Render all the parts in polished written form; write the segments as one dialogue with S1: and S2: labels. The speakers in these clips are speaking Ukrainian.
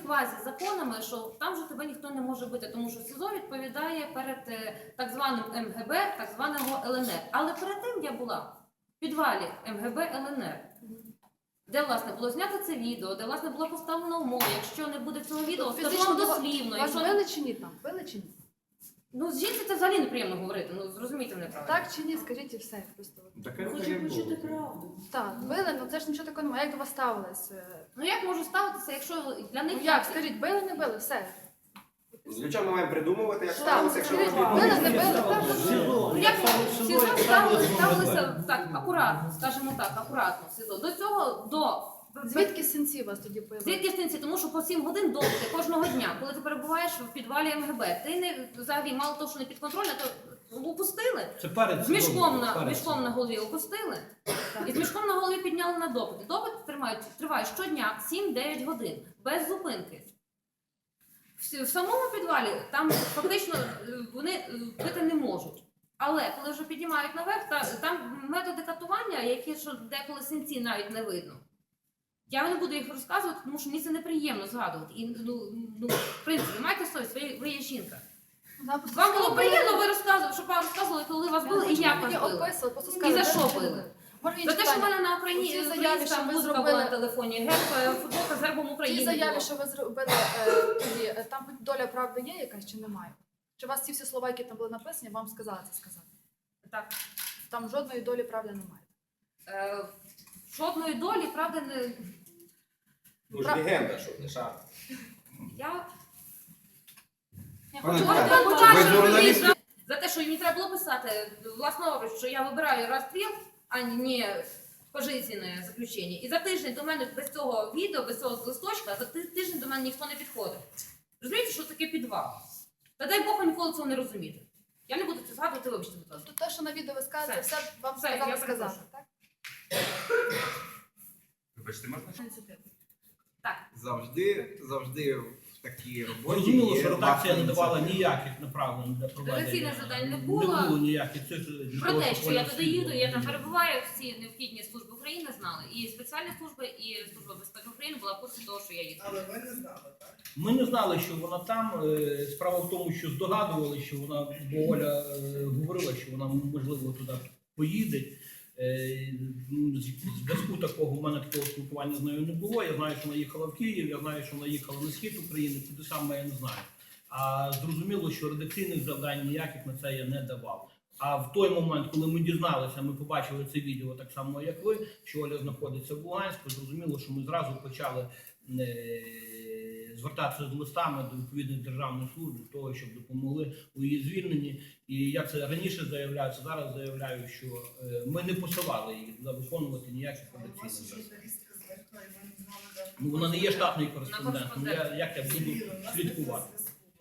S1: квазі-законами, що там же тебе ніхто не може бити, тому що СІЗО відповідає перед так званим МГБ, так званого ЛНР. Але перед тим я була в підвалі МГБ ЛНР, де, власне, було знято це відео, де, власне, було поставлено умови. Якщо не буде цього відео, скажу вам дослівно.
S2: Вас били чи ні там? Били чи ні?
S1: Ну, з жінці це взагалі неприємно говорити, ну, зрозумійте мене правильно.
S2: Так чи ні, скажіть і все. Просто.
S3: Хочу почути правду.
S2: Так, били, ну це ж нічого такого немає. Як до вас ставились?
S1: Ну, як можу ставитися, якщо для них...
S2: Ну як, скажіть, били, не били, все.
S4: Для чого ми маємо придумувати, як
S2: Так,
S4: ставилося, якщо
S2: скажіть,
S4: ви
S2: били, не били, так.
S1: Ну, як СІЗО ставилися так, акуратно, скажімо так, акуратно СІЗО. До цього,
S2: Звідки синці у вас тоді появилися?
S1: Звідки стінці? Тому що по 7 годин допити кожного дня, коли ти перебуваєш в підвалі МГБ, ти не взагалі мало того, що не підконтрольна, то опустили.
S5: Це перед
S1: З мішком на голові опустили. І з мішком на голові підняли на допити. Допит триває щодня 7-9 годин, без зупинки. В самому підвалі там фактично вони пити не можуть. Але коли вже піднімають наверх, там методи катування, які що деколи синці навіть не видно. Я не буду їх розказувати, тому що мені це неприємно згадувати. І, ну, в принципі, майте совість, ви є жінка. Вам було приємно, щоб вам розказували, коли вас били і як вас били. І за що били? За те, що в мене на Україні українська музика була на телефоні, футболка з гербом України.
S2: Ті заяви, що ви зробили тоді, там хоч доля правди є якась чи немає? Чи вас ці всі слова, які там були написані, вам сказали це сказати?
S1: Так.
S2: Там жодної долі правди немає.
S1: Жодної долі, правда, не...
S4: Ну ж легенда, що не шар.
S1: Я
S4: Пане
S1: хочу
S4: Наталя,
S1: вам
S4: ви
S1: покажу
S4: журналіст?
S1: за те, що мені треба було писати власноруч, що я вибираю розстріл, а не пожизненне заключення. І за тиждень до мене без цього відео, без цього листочка, за тиждень до мене ніхто не підходив. Розумієте, що таке підвал? Та дай Бог ніколи цього не розуміти. Я не буду це згадувати, вибачте, будь ласка.
S2: То те, що на відео ви скажете, все вам
S1: Все,
S2: сказали
S1: я
S2: сказати,
S1: перепрошую.
S2: так?
S4: Вибачте, можна?
S1: Так.
S4: Завжди в такій роботі
S5: Зрозуміло,
S4: є
S5: що редакція не
S4: власна
S5: давала
S4: ініціатива.
S5: ніяких направлень для проведення.
S1: Редакційних завдань не
S5: Не
S1: було.
S5: було ніяких. Це ж для
S1: Про
S5: того,
S1: те,
S5: щоб
S1: що я
S5: вони
S1: туди
S5: всі
S1: їду,
S5: були.
S1: я там перебуваю, всі необхідні служби України знали. І спеціальні служби, і Служба безпеки України була в курсі того, що я їду.
S3: Але ви не знали, так?
S5: Ми не знали, що вона там. Справа в тому, що здогадували, що вона, бо Оля говорила, що вона, можливо, туди поїде. Зв'язку такого, в мене такого спілкування з нею не було. Я знаю, що вона їхала в Київ, я знаю, що вона їхала на схід України, куди саме я не знаю. А зрозуміло, що редакційних завдань ніяких на це я не давав. А в той момент, коли ми дізналися, ми побачили це відео так само, як ви, що Оля знаходиться в Луганську, зрозуміло, що ми зразу почали звертатися з листами до відповідних державних служб для того, щоб допомогли у її звільненні. І я це раніше заявляю, це зараз заявляю, що ми не посилали її туди виконувати ніяких редакційних завдань. Ну, вона не є штатний кореспондентом, як я буду слідкувати.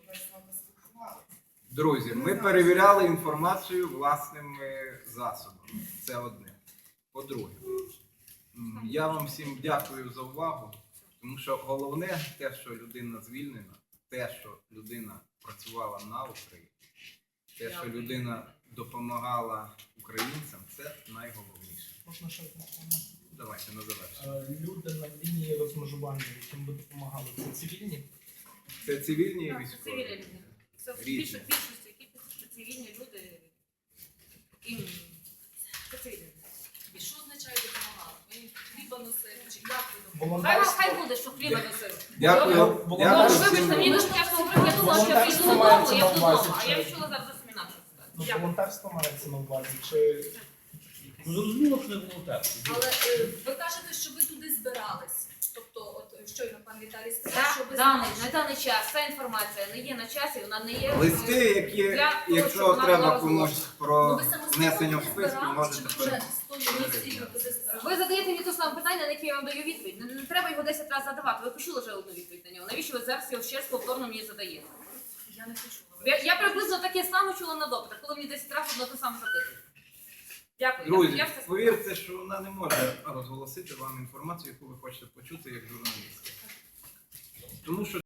S4: Друзі, ми перевіряли інформацію власними засобами. Це одне. По-друге, я вам всім дякую за увагу, тому що головне те, що людина звільнена, те, що людина працювала на Україні, те, що людина допомагала українцям, це найголовніше.
S3: Можна ще одне?
S4: Давайте на завершення.
S3: Люди на лінії розмежування, яким ви допомагали, це цивільні?
S4: Це цивільні і
S1: Так, це
S4: військові.
S1: цивільні люди. Це в
S4: Різні.
S1: більшості, які пишуть, що цивільні люди, яким... Це цивільні люди.
S6: І що означає допомагати? Ви їм хліба носили? Чи як ви допомагали?
S1: Хай буде, що хліба носили.
S4: Дякую.
S1: Ну,
S4: Дякую
S1: вибачте,
S4: всім.
S1: мені дуже тяжко говорити, я думала, що я прийду додому, я вдома, а я відчула зараз зовсім інакше.
S3: Ну,
S1: Дякую.
S3: волонтерство мається на увазі, чи...
S5: Ну, зрозуміло, що не волонтерство.
S6: Але ви кажете, що ви туди збирались. Тобто, от щойно пан Віталій сказав, що ви
S1: На
S6: збирались.
S1: даний час ця інформація не є на часі, вона не є...
S4: Листи, які,
S1: для того, щоб
S4: якщо
S1: вона
S4: треба
S1: була
S4: комусь
S1: розголошена.
S4: про
S6: Ну, ви самостійно
S4: внесення в
S6: туди
S4: списки,
S6: збирались, чи
S4: можете
S6: ви вже
S4: перейти.
S6: з тою місією туди збирались?
S1: Ви задаєте мені те саме питання, на яке я вам даю відповідь. Не треба його 10 разів задавати. Ви почули вже одну відповідь на нього. Навіщо ви зараз його ще раз повторно мені задаєте?
S6: Я не почула.
S1: Я приблизно таке саме чула на допитах, коли мені 10 разів одно те саме запитують. Дякую.
S4: Друзі,
S1: Я все
S4: повірте, що вона не може розголосити вам інформацію, яку ви хочете почути як журналіст. Тому що